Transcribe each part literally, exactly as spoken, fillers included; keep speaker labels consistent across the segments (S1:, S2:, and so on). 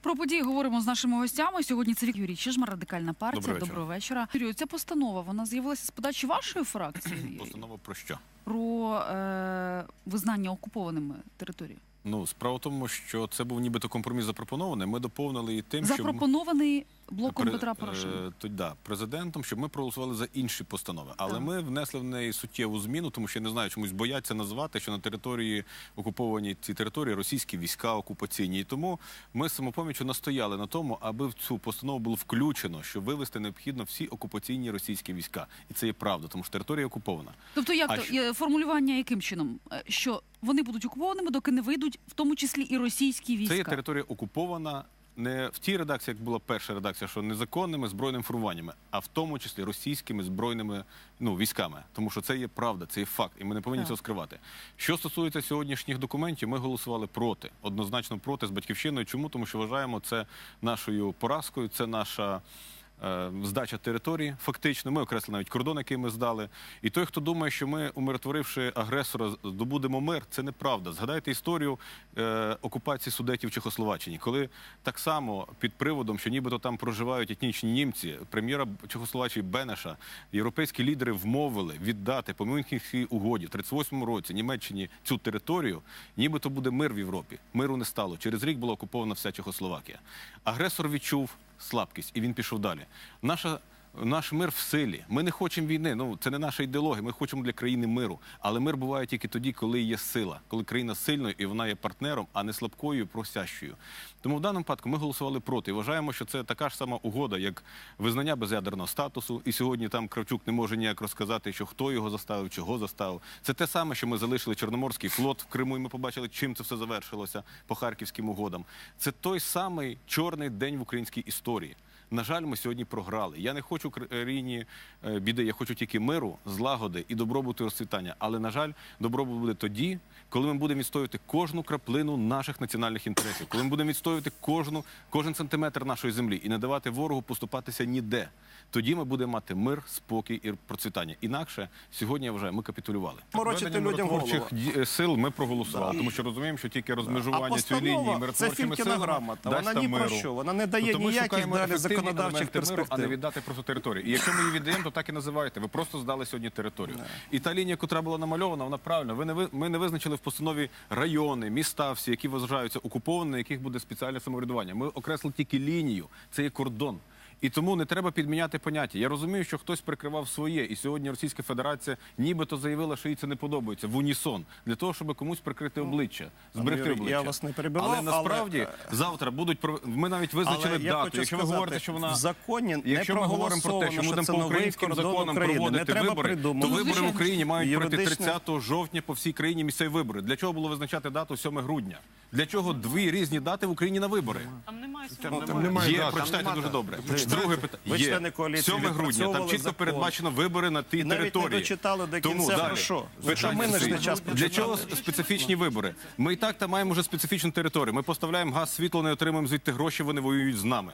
S1: Про події говоримо з нашими гостями. Сьогодні це Віктор Юрій Чижмарь, Радикальна партія.
S2: Доброго вечора.
S1: Доброго вечора. Юрію, ця постанова, вона з'явилася з подачі вашої фракції?
S2: Постанова про що?
S1: Про е, визнання окупованими територій.
S2: Ну, справа в тому, що це був нібито компроміс запропонований. Ми доповнили і тим,
S1: Запропонований блоком
S2: Пре-
S1: Петра Порошенка.
S2: е, то, да, президентом, щоб ми проголосували за інші постанови. Але
S1: Так.
S2: ми внесли в неї суттєву зміну, тому що я не знаю, чомусь бояться назвати, що на території окупованій ці території російські війська окупаційні. І тому ми з «Самопоміччю» настояли на тому, аби в цю постанову було включено, що вивести необхідно всі окупаційні російські війська. І це є правда, тому що територія окупована.
S1: Тобто, як
S2: А
S1: то,
S2: що-
S1: є формулювання яким чином? Е, Що вони будуть окупованими, доки не вийдуть, в тому числі і російські війська?
S2: Це є територія окупована не в тій редакції, як була перша редакція, що незаконними збройними формуваннями, а в тому числі російськими збройними ну, військами. Тому що це є правда, це є факт, і ми не повинні
S1: Так.
S2: цього скривати. Що стосується сьогоднішніх документів, ми голосували проти, однозначно проти з «Батьківщиною». Чому? Тому що вважаємо це нашою поразкою, це наша е, здача території, фактично. Ми окреслили навіть кордон, який ми здали. І той, хто думає, що ми, умиротворивши агресора, здобудемо мир, це неправда. Згадайте історію е, окупації Судетів в Чехословаччині, коли так само під приводом, що нібито там проживають етнічні німці, прем'єра Чехословаччини Бенеша, європейські лідери вмовили віддати по Мюнхенській угоді в тридцять восьмому році Німеччині цю територію, нібито буде мир в Європі. Миру не стало. Через рік була окупована вся Чехословакія. Агресор відчув слабкість, і він пішов далі. Наша, наш мир в силі. Ми не хочемо війни, ну, це не наша ідеологія, ми хочемо для країни миру. Але мир буває тільки тоді, коли є сила, коли країна сильною і вона є партнером, а не слабкою і просящою. Тому в даному випадку ми голосували проти і вважаємо, що це така ж сама угода, як визнання безядерного статусу. І сьогодні там Кравчук не може ніяк розказати, що хто його заставив, чого заставив. Це те саме, що ми залишили Чорноморський флот в Криму, і ми побачили, чим це все завершилося по Харківським угодам. Це той самий чорний день в українській історії. На жаль, ми сьогодні програли. Я не хочу країні е, біди, я хочу тільки миру, злагоди і добробуту і розцвітання. Але, на жаль, добробут буде тоді, коли ми будемо відстоювати кожну краплину наших національних інтересів, коли ми будемо відстоювати кожну, кожен сантиметр нашої землі і не давати ворогу поступатися ніде. Тоді ми будемо мати мир, спокій і процвітання. Інакше, сьогодні, я вважаю, ми капітулювали.
S3: Морочити
S2: Введення
S3: людям голову.
S2: миротворчих ді- сил ми проголосували,
S3: Да.
S2: тому що розуміємо, що тільки
S3: А
S2: розмежування цієї лінії
S3: постанова – це
S2: миротворчими
S3: Фількіна
S2: силами
S3: грамота.
S2: дасть
S3: Вона
S2: там
S3: ні про
S2: миру.
S3: що. Вона не дає
S2: Тобто ми
S3: ніяких
S2: шукаємо
S3: далі
S2: ефективні
S3: законодавчих
S2: елементи миру, а не
S3: перспектив.
S2: віддати просто територію. І якщо ми її віддаємо, то так і називаєте. Ви просто здали сьогодні територію. І та лінія, яка була намальована, вона правильна. Ви не ви- ми не визначили в постанові райони, міста всі, які вважаються окуповані, на яких буде спеціальне самоврядування. Ми окреслили тільки лінію. Це є кордон. І тому не треба підміняти поняття. Я розумію, що хтось прикривав своє, і сьогодні Російська Федерація нібито заявила, що їй це не подобається, в унісон, для того, щоб комусь прикрити обличчя, зберегти
S3: Юрій,
S2: обличчя.
S3: я вас не перебивав,
S2: але насправді
S3: але-
S2: завтра будуть, пров- ми навіть визначили
S3: Але я
S2: дату.
S3: хочу
S2: Якщо ви
S3: сказати,
S2: говорите, що вона...
S3: в законі не
S2: Якщо ми говоримо про те, що ми
S3: проголосовано,
S2: будемо
S3: що
S2: по
S3: це новий
S2: українським
S3: кордон
S2: законам
S3: України.
S2: проводити
S3: Не треба
S2: вибори, то
S3: придумувати.
S2: вибори в
S1: Звичайно.
S2: Україні мають пройти
S3: Юридичне-
S2: тридцятого жовтня по всій країні місцеві вибори. Для чого було визначати дату сьоме грудня? Для чого дві різні дати в Україні на вибори?
S4: Там немає
S3: Там немає
S2: Є,
S3: дат, там
S2: прочитайте
S3: немає
S2: дуже
S3: дат.
S2: добре.
S3: Ви-
S2: Друге питання.
S3: ви
S2: Є.
S3: члени коаліції
S2: сьоме грудня, там
S3: відпрацьовували
S2: чітко
S3: закон.
S2: передбачено вибори на тій
S3: І навіть не
S2: території.
S3: дочитали до
S2: Тому
S3: кінця,
S2: далі.
S3: про що?
S2: Питання
S3: Що ми не
S2: стоїть.
S3: час
S2: Для
S3: починали?
S2: чого специфічні вибори? Ми і так там маємо вже специфічну територію. Ми поставляємо газ, світло, не отримуємо звідти гроші, вони воюють з нами.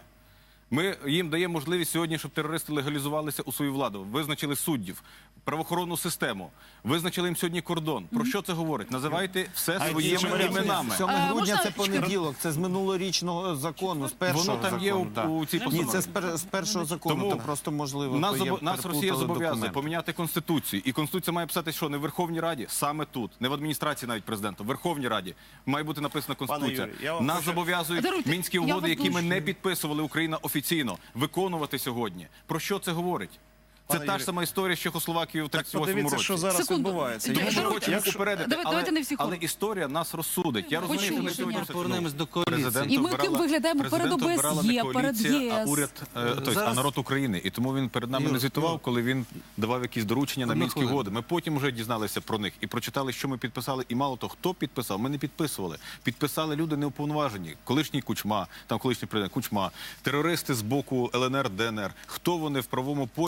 S2: Ми їм даємо можливість сьогодні, щоб терористи легалізувалися у свою владу, визначили суддів, правоохоронну систему, визначили їм сьогодні кордон. Про що це говорить? Називайте все
S3: А
S2: своїми
S3: які варіанти?
S2: іменами.
S5: сьоме
S1: А,
S5: грудня
S1: можна
S5: це
S1: чекати?
S5: понеділок, це з минулорічного закону, з першого
S2: Воно там є
S5: закону,
S2: у,
S5: так.
S2: у цій
S5: Ні,
S2: постанові.
S5: це з, пер, з першого закону,
S2: Тому
S5: то просто можливо.
S2: Нас,
S5: то є,
S2: забо- нас Росія
S5: переплутали
S2: зобов'язує
S5: документи.
S2: поміняти Конституцію. І Конституція має писати, що не в Верховній Раді, саме тут. Не в адміністрації навіть президента, в Верховній Раді. Має бути написана Конституція.
S3: Юрію, я вам
S2: Нас
S3: хочу-
S2: зобов'язують
S1: Даруйте,
S2: мінські
S1: я
S2: угоди,
S1: вас
S2: які ми
S1: дуже-
S2: не підписували, Україна офіційно, виконувати сьогодні. Про що це говорить? Це
S3: Пане
S2: та ж
S3: Юрію,
S2: сама історія з Чехословакією в
S3: Так
S2: тридцять восьмому
S3: подивіться,
S2: році.
S3: що зараз
S1: Секунду.
S3: відбувається.
S1: Д-
S2: Ми
S3: Якщо-
S1: Даруйте,
S2: хочемо
S3: якщо-
S2: попередити,
S1: Давайте-
S2: але,
S1: давайте не всі
S2: але
S1: хором.
S2: історія нас розсудить. Я розумію, що
S1: Почули,
S2: не
S1: що
S2: сьогодні
S1: ні.
S2: це
S5: Повернемось до
S2: Президент
S5: коаліції.
S1: І ми ким
S2: обирала-
S1: виглядаємо перед
S2: президента обирала
S1: ОБСЄ,
S2: не
S1: перед
S2: коаліція, а
S1: ЄС.
S2: уряд, е, тобто,
S5: Зараз-
S2: а народ України. І тому він перед нами
S5: Юр,
S2: не звітував,
S5: Юр.
S2: коли він давав якісь доручення на
S5: Одну
S2: мінські
S5: хвилину.
S2: угоди. Ми потім вже дізналися про них і прочитали, що ми підписали. І мало того, хто підписав, ми не підписували. Підписали люди неуповноважені. Колишній Кучма, там колишній президент Кучма, терористи з боку ЛНР, ДНР. Хто вони в правовому полі міжнародного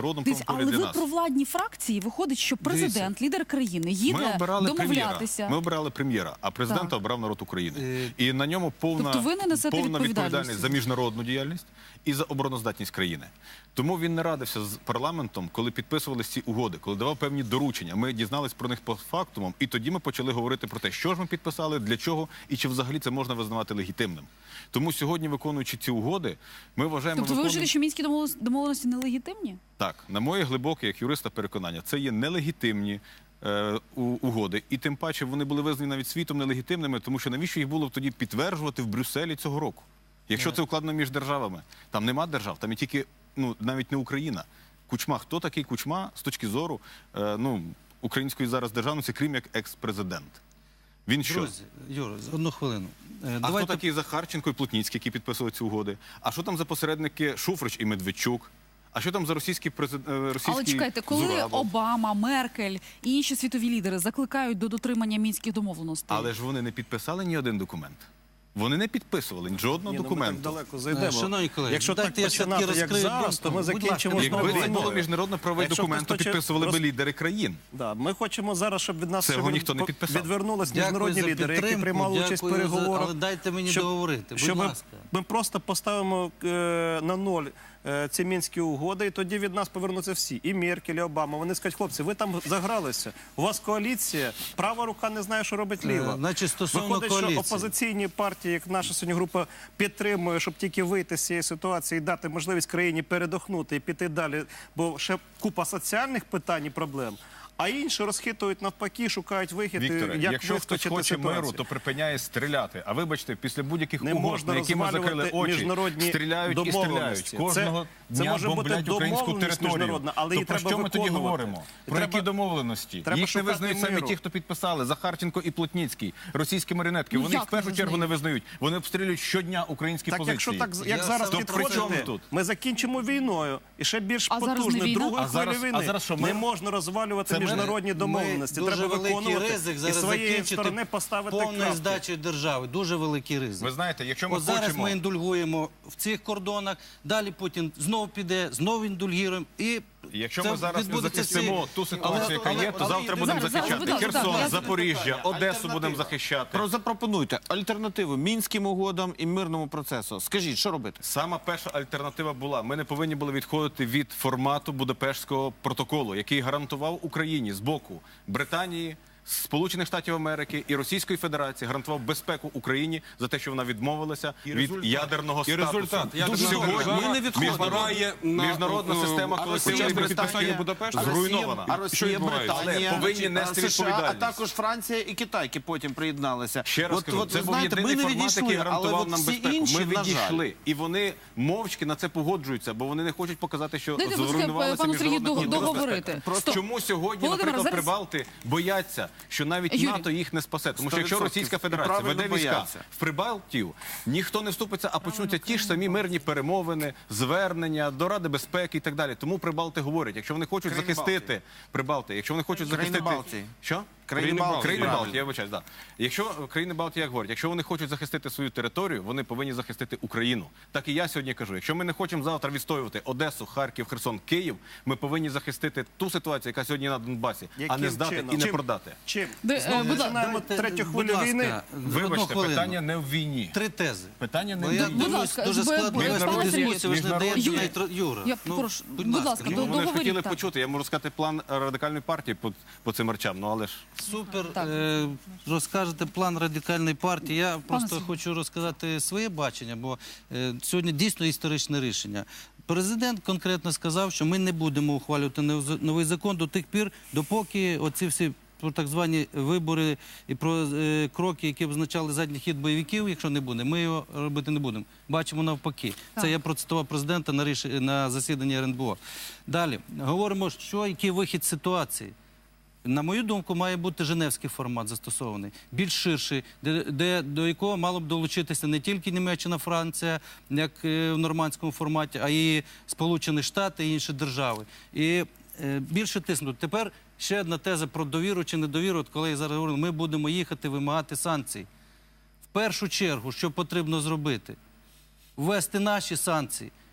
S2: природному
S1: Дивіться,
S2: правому полі
S1: але
S2: для
S1: ви
S2: нас.
S1: про владні фракції виходить, що президент, лідер країни,
S2: Ми
S1: їде
S2: обирали прем'єра.
S1: домовлятися.
S2: Ми обирали прем'єра, а президента
S1: Так.
S2: обрав народ України.
S5: Е,
S2: І на ньому повна,
S1: Тобто ви не несете
S2: повна
S1: відповідальності?
S2: відповідальність за міжнародну діяльність і за обороноздатність країни. Тому він не радився з парламентом, коли підписувалися ці угоди, коли давав певні доручення. Ми дізнались про них по фактумам, і тоді ми почали говорити про те, що ж ми підписали, для чого і чи взагалі це можна визнавати легітимним. Тому сьогодні, виконуючи ці угоди, ми вважаємо...
S1: Тобто ви
S2: виконуємо-
S1: вважаєте, що мінські домовленості- домовленості нелегітимні?
S2: Так, на моє глибоке, як юриста, переконання, це є нелегітимні е, у- угоди, і тим паче вони були визнані навіть світом нелегітимними, тому що навіщо їх було тоді підтверджувати в Брюсселі цього року? Якщо це укладено між державами, там нема держав, там є тільки, ну, навіть не Україна. Кучма, хто такий Кучма з точки зору, е, ну, української зараз державності, крім як екс-президент? Він що?
S3: Друзі, Юра, одну хвилину. Е,
S2: А хто такий Захарченко і Плотніцький, які підписували ці угоди? А що там за посередники Шуфрич і Медведчук? А що там за російський президент? Російський
S1: Але чекайте, коли
S2: Зурабов?
S1: Обама, Меркель і інші світові лідери закликають до дотримання мінських домовленостей,
S2: Але ж вони не підписали ні один документ. Вони не підписували жодного
S4: Ні, ну, ми
S2: документу.
S4: так далеко зайдемо.
S3: Шановні колеги,
S4: Якщо так
S3: дайте я все-таки
S4: починати, як
S3: розкрию
S4: зараз, то ми
S3: думку. Будь
S4: закінчимо
S3: ласка,
S4: знову
S2: Якби це
S4: війною.
S2: було міжнародно-правовий
S4: Якщо
S2: документ, то
S4: хтось хоче
S2: підписували би
S4: роз-
S2: лідери країн.
S4: Да, ми хочемо зараз, щоб від нас
S2: Цього
S4: щоб
S2: ніхто не
S4: по-
S2: підписав.
S4: відвернулись
S3: Дякую
S4: міжнародні
S3: за
S4: лідери, які
S3: підтримку,
S4: приймали участь в
S3: дякую за-
S4: переговорах.
S3: але дайте мені
S4: щоб-
S3: договорити, будь
S4: щоб ми-
S3: ласка.
S4: Ми просто поставимо е, на ноль е, ці мінські угоди, і тоді від нас повернуться всі. І Меркель, і Обама. Вони скажуть, хлопці, ви там загралися. У вас коаліція, права рука не знає, що робить ліва.
S3: Е, значить, стосовно
S4: Виходить, що
S3: коаліції.
S4: опозиційні партії, як наша сьогодні група, підтримує, щоб тільки вийти з цієї ситуації і дати можливість країні передохнути і піти далі, бо ще купа соціальних питань і проблем. А інші розхитують навпаки, шукають вихід,
S2: Вікторе,
S4: як
S2: якщо хтось
S4: вискочити
S2: хоче
S4: ситуацію.
S2: миру, то припиняє стріляти. А вибачте, після будь-яких
S4: Не
S2: угод,
S4: можна
S2: на які ми закрили
S4: розвалювати
S2: очі,
S4: міжнародні
S2: стріляють і стріляють.
S4: домовленості.
S2: Кожного
S4: Це- це
S2: дня
S4: може бути
S2: бомблять українську
S4: домовленість
S2: територію.
S4: міжнародна, але
S2: то
S4: її
S2: про
S4: треба
S2: що ми тоді
S4: виконувати.
S2: говоримо? Про
S4: Треба-
S2: які домовленості?
S4: треба
S2: Їх не
S4: шукати
S2: визнають самі
S4: миру.
S2: ті, хто підписали. Захарченко і Плотніцький, російські маріонетки.
S1: Ну,
S2: Вони їх
S1: як
S2: в першу
S1: не
S2: чергу не
S1: визнають?
S2: визнають. Вони обстрілюють щодня українські
S4: Так,
S2: позиції.
S4: якщо так, як
S3: Я
S4: зараз
S3: саме
S2: То при чому
S4: підходити,
S2: тут?
S4: ми закінчимо війною і ще більш
S1: А зараз не
S4: потужною
S1: війна?
S4: другою
S2: А зараз-
S4: хвилі
S2: а
S4: війни.
S2: зараз що,
S4: Не
S2: мир?
S4: можна розвалювати
S2: Це мир?
S4: міжнародні домовленості.
S3: Ми
S4: Треба
S3: дуже великий
S4: виконувати
S3: ризик
S4: і
S3: зараз
S4: своєї
S3: закінчити
S4: сторони поставити
S3: повною
S4: крапки.
S3: здачею держави. Дуже великий ризик.
S2: Ви знаєте, якщо ми
S3: От зараз
S2: хочемо...
S3: ми індульгуємо в цих кордонах, далі Путін знову піде, знову індульгуємо. І
S2: Якщо
S3: це
S2: ми зараз не
S3: відбудеться
S2: захистимо
S3: всі-
S2: ту ситуацію,
S3: Але-
S2: яка
S3: але-
S2: є, то
S3: але-
S2: завтра
S3: але-
S2: будемо
S1: зараз, зараз,
S2: захищати
S1: будь ласка,
S2: Херсон,
S1: я-
S2: Запоріжжя, Одесу
S5: Альтернатива.
S2: будемо захищати.
S5: Про запропонуйте альтернативу мінським угодам і мирному процесу. Скажіть, що робити?
S2: Сама перша альтернатива була: ми не повинні були відходити від формату Будапештського протоколу, який гарантував Україні з боку Британії, Сполучених Штатів Америки і Російської Федерації, гарантував безпеку Україні за те, що вона відмовилася від ядерного
S6: І
S2: статусу.
S6: результат. Ядерна
S2: Сьогодні
S6: держава
S5: ми не відходимо.
S6: впливає на,
S2: міжнародна
S6: е,
S2: система
S6: а
S2: колективної
S6: Росія
S2: безпеки
S6: підписання Будапешта
S2: зруйнована.
S5: А
S6: Що
S5: Росія,
S6: відбувається?
S5: Британія,
S2: Але повинні нести
S5: а США, а
S2: відповідальність.
S5: також Франція і Китай, які потім приєдналися.
S2: Ще раз
S5: От-
S2: кажу,
S5: от,
S2: це
S5: ви
S2: був
S5: знаєте,
S2: єдиний
S5: ми не
S2: формат,
S5: відійшли,
S2: який
S5: але
S2: гарантував
S5: от
S2: нам
S5: всі
S2: безпеку.
S5: інші,
S2: Ми
S5: на жаль.
S2: відійшли, і вони мовчки на це погоджуються, бо вони не хочуть показати, що
S1: Дайте, будь ласка,
S2: зруйнувалася
S1: пану Сергію
S2: міжнародна
S1: дог-
S2: безпека.
S1: договорити.
S2: Просто
S1: Стоп.
S2: чому сьогодні,
S1: Володимире,
S2: наприклад,
S1: зараз-
S2: Прибалти бояться, що навіть
S1: Юрій.
S2: НАТО їх не спасе, тому що якщо
S5: сто
S2: Російська
S5: відсотків. І
S2: Федерація
S5: правильно
S2: веде війська
S5: бояться.
S2: в Прибалтію, ніхто не вступиться, а почнуться ті ж самі мирні перемовини, звернення до Ради безпеки і так далі. Тому Прибалти говорять, якщо вони хочуть
S5: Країни
S2: захистити Прибалти, якщо вони хочуть
S5: Країни
S2: захистити
S5: Балтії.
S2: що?
S5: Країни Балтії,
S2: Країни
S5: правильно.
S2: Балтії, я вибачаюсь, да. Якщо країни Балтії, як говорять, якщо вони хочуть захистити свою територію, вони повинні захистити Україну. Так і я сьогодні кажу, якщо ми не хочемо завтра відстоювати Одесу, Харків, Херсон, Київ, ми повинні захистити ту ситуацію, яка сьогодні на Донбасі, а
S4: Яким
S2: не здати
S4: чином?
S2: і не
S4: Чим?
S2: продати.
S4: Чим?
S1: Де, е,
S4: Знову
S1: будь ласка,
S4: починаємо
S3: Дайте,
S4: третю
S3: будь
S4: хвилю
S3: ласка,
S4: війни.
S3: одну
S2: Вибачте,
S3: хвилину.
S2: питання не в війні.
S3: Три тези.
S2: Питання не
S3: Бо
S2: в
S3: я
S2: війні.
S1: Будь
S3: дивлюсь,
S1: ласка,
S3: дуже
S1: бо-
S3: складно
S1: бо-
S3: вести
S1: пане Сергію,
S3: дискусію, ви ж не
S2: міжнародні-
S3: даєте
S1: Юрій,
S3: навіть ро- Юра.
S1: я
S3: ну,
S1: прошу,
S3: будь
S1: будь
S3: ласка,
S1: ласка,
S3: ну,
S1: до-
S2: Вони ж
S1: договоріть,
S2: хотіли
S1: так.
S2: почути, я можу сказати план радикальної партії по, по цим речам, ну але ж...
S3: Супер.
S1: Так.
S3: Е, розкажете план радикальної партії. Я просто
S1: Сергію.
S3: хочу розказати своє бачення, бо е, сьогодні дійсно історичне рішення. Президент конкретно сказав, що ми не будемо ухвалювати нов- новий закон до тих пір, допоки оці всі про так звані вибори і про е, кроки, які означали задній хід бойовиків, якщо не буде, ми його робити не будемо. Бачимо навпаки.
S1: Так.
S3: Це я процитував президента на, ріш... на засіданні ер ен бе о. Далі, говоримо, що який вихід з ситуації. На мою думку, має бути женевський формат застосований, більш ширший, де, де, до якого мало б долучитися не тільки Німеччина, Франція, як е, в нормандському форматі, а і Сполучені Штати і інші держави. І е, більше тиснути. Тепер ще одна теза про довіру чи недовіру. От коли я зараз говорю, ми будемо їхати вимагати санкцій. В першу чергу, що потрібно зробити? Ввести наші санкції.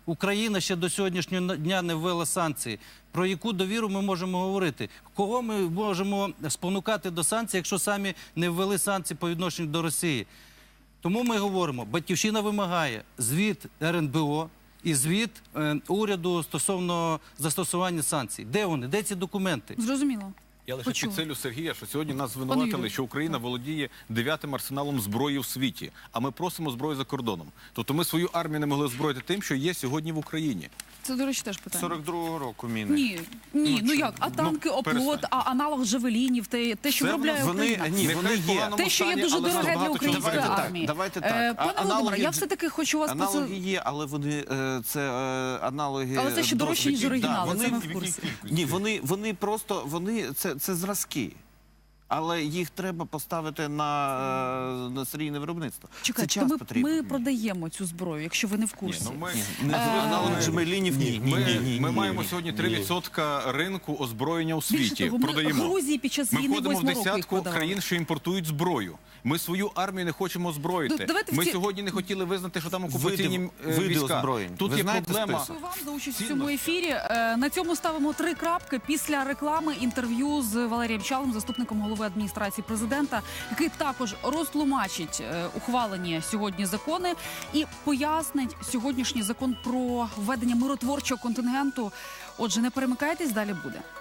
S3: Україна ще до сьогоднішнього дня не ввела санкції. Про яку довіру ми можемо говорити? Кого ми можемо спонукати до санкцій, якщо самі не ввели санкції по відношенню до Росії? Тому ми говоримо, Батьківщина вимагає звіт ер ен бе о і звіт е, уряду стосовно застосування санкцій. Де вони? Де ці документи?
S1: Зрозуміло.
S2: Я лише
S1: Почула.
S2: підсилю Сергія, що сьогодні нас
S1: Юрію.
S2: звинуватили, що Україна володіє дев'ятим арсеналом зброї в світі, а ми просимо зброю за кордоном. Тобто ми свою армію не могли озброїти тим, що є сьогодні в Україні.
S1: Це, до речі, теж питання.
S5: сорок другого року міни.
S1: Ні, ні, ну
S2: чому?
S1: як, а танки,
S2: Ну,
S1: оплот,
S2: перестань.
S1: а аналог Джавелінів, те, те що
S2: Це
S1: виробляє
S5: вони-
S1: Україна.
S5: ні,
S2: Нехай
S5: вони
S2: в
S5: є.
S2: поганому
S1: Те, що є
S2: стані,
S1: дуже
S2: але
S1: дороге
S2: багато
S1: для
S2: чого
S1: української
S5: Давайте так,
S1: армії.
S5: давайте
S1: Е,
S5: так. А-
S1: Пане Володимире,
S5: аналоги-
S1: я все-таки хочу вас
S5: Аналоги
S1: поси-
S5: є, але вони е, це е, аналоги.
S1: Але це ще дорожче, ніж
S5: досвідчі.
S1: оригінали,
S5: Да,
S1: це ми
S5: вони-
S1: в курсі.
S5: Ні, вони, вони просто вони це, це зразки. Але їх треба поставити на, е, на серійне виробництво.
S1: Чекайте,
S5: це
S1: то
S5: час
S1: ми,
S5: потрібен.
S1: ми продаємо цю зброю, якщо ви не в курсі.
S2: Ну, ми,
S5: Не
S1: Е,
S5: аналог Джемелінів, ні.
S2: ми,
S5: ні, ні, ні,
S2: ми
S5: ні.
S2: маємо сьогодні три відсотки ринку озброєння у
S1: Більше
S2: світі.
S1: того, ми
S2: Продаємо.
S1: Грузії під час
S2: Ми
S1: війни
S2: входимо в
S1: восьмого року їх
S2: десятку
S1: продавали.
S2: країн, що імпортують зброю. Ми свою армію не хочемо озброїти.
S1: Ну, давайте в
S2: Ми
S1: ці-
S2: сьогодні не хотіли визнати, що там окупаційні
S5: Види-
S2: е,
S5: види
S2: війська.
S5: озброєнь.
S2: Тут
S5: Ви
S2: є
S5: знаєте
S2: проблема.
S5: список?
S1: Дякую вам за участь в
S2: Цінності.
S1: цьому ефірі. Е, На цьому ставимо три крапки. Після реклами інтерв'ю з Валерієм Чалим, заступником голови адміністрації президента, який також розтлумачить е, ухвалені сьогодні закони і пояснить сьогоднішній закон про введення миротворчого контингенту. Отже, не перемикайтесь, далі буде.